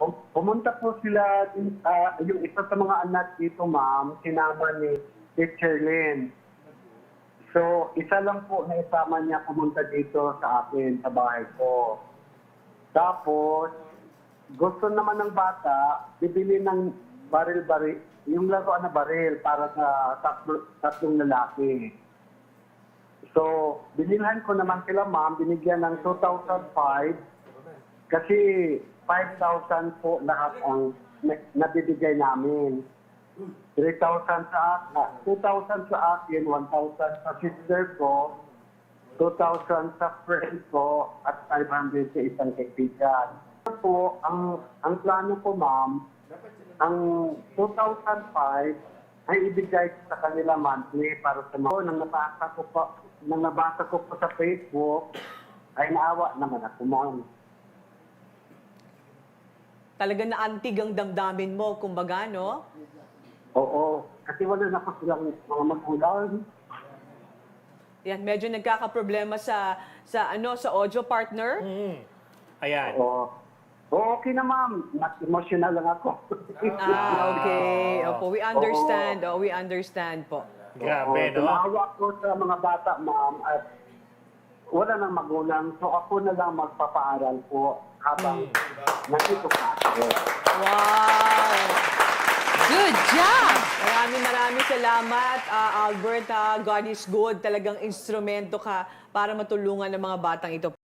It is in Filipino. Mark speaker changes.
Speaker 1: Pumunta po sila, yung isa sa mga anak dito, ma'am, sinama ni Teacher Lynn. So, isa lang po na isama niya pumunta dito sa akin, sa bahay ko. Tapos, gusto naman ng bata, bibili ng baril-baril, yung laruan na baril para sa tatlong lalaki. So, binilhan ko naman sila, ma'am, binigyan ng 2,005 kasi 5,000 po lahat ang nabibigay namin. 3,000 sa akin, 2,000 sa akin, 1,000 sa sister ko, 2,000 sa friend ko, at 500 sa isang kaibigan. Po, ang plano ko, ma'am, ang 2,005 ay ibigay sa kanila monthly para sa mga nang nabasa ko po sa Facebook, ay naawa naman ako, ma'am.
Speaker 2: Talaga na antig ang damdamin mo, kumbaga, no?
Speaker 1: Oo, kasi wala na po silang mga magulang.
Speaker 2: Yan, medyo nagkakaproblema sa audio partner.
Speaker 3: Ayan.
Speaker 1: Oo. Oo, okay na, ma'am. Mas emotional lang ako.
Speaker 2: Okay. Opo, we understand. Oh, we understand po.
Speaker 3: Grabe, no?
Speaker 1: Tumawa ko sa mga bata, ma'am, at wala nang magulang. So ako na lang magpapaaral po habang nandito pa ako.
Speaker 2: Wow! Good job! Maraming salamat, Albert. God is good. Talagang instrumento ka para matulungan ng mga batang ito.